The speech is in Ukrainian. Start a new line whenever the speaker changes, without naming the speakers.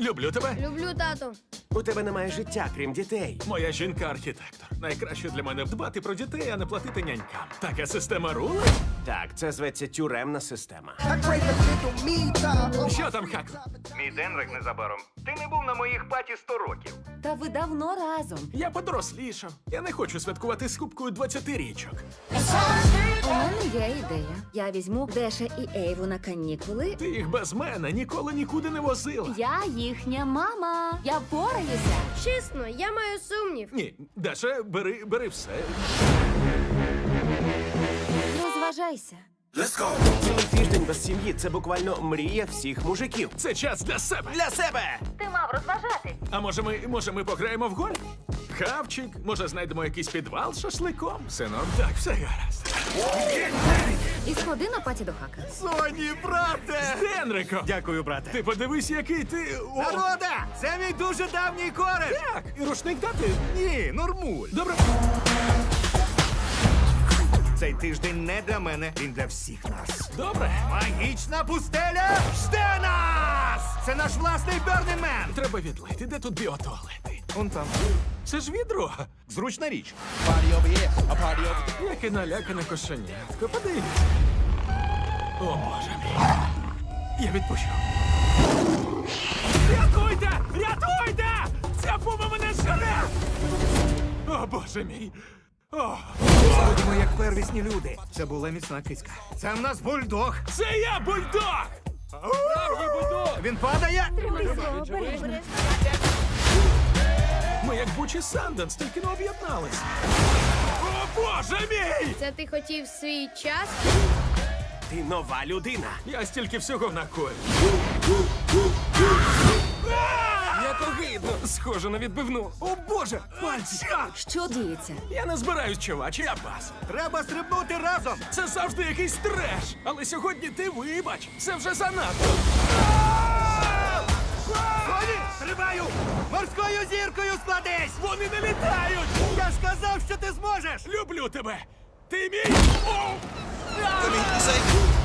Люблю тебе.
Люблю, тату.
У тебе немає життя, крім дітей.
Моя жінка-архітектор. Найкраще для мене дбати про дітей, а не платити нянькам. Така система рули?
Так, це зветься тюремна система.
Що там, Хаку?
Мій Денрик незабаром. Ти не був на моїх паті 100 років.
Та ви давно разом.
Я подорослішав. Я не хочу святкувати з кубкою 20-річок.
У мене є ідея. Я візьму Деша і Ейву на канікули.
Ти їх без мене ніколи нікуди не возила.
Я їхня мама. Я впораюся.
Чесно, я маю сумнів.
Ні, Даша, бери все.
Розважайся.
Цілий тиждень без сім'ї це буквально мрія всіх мужиків.
Це час для себе.
Для себе!
Ти мав розважатись.
А може ми пограємо в гольф? Хавчик, може знайдемо якийсь підвал з шашликом? Все норм? Так, все гаразд.
І сходи на паті до Хака.
Соні, брате! З Генриком!
Дякую, брате.
Ти подивись, який ти... О,
Народа! Це мій дуже давній кореш!
так! І рушник дати?
Ні, нормуль.
Добре.
Цей тиждень не для мене, він для всіх нас.
Добре.
Магічна пустеля жде нас! Це наш власний Burning Man!
Треба відлити. Де тут біотуалети?
Он там.
Це ж відро.
Зручна річ.
Яке налякане кошенятко. Подивіться. О, Боже мій. Я відпущу. Рятуйте! Рятуйте! Ця пума мене зжере! О, Боже мій. О,
Будемо як первісні люди. Це була міцна киська. Це в нас бульдог.
це я, бульдог!
Він падає.
Ми як Бучі Санденс, тільки не об'єднались. О, Боже мій!
Це ти хотів свій час?
Ти нова людина.
Я стільки всього накоїв.
Як огидно. Схоже на відбивну.
О, Боже! Пальці!
Що діється?
Я не збираюсь, чувач, я пас.
Треба стрибнути разом.
Це завжди якийсь треш. Але сьогодні ти вибач. Це вже занадто.
Соні, стрибаю! Морською зіркою складись!
Вони не літають!
Я ж казав, що ти зможеш!
Люблю тебе! Ти мій! О!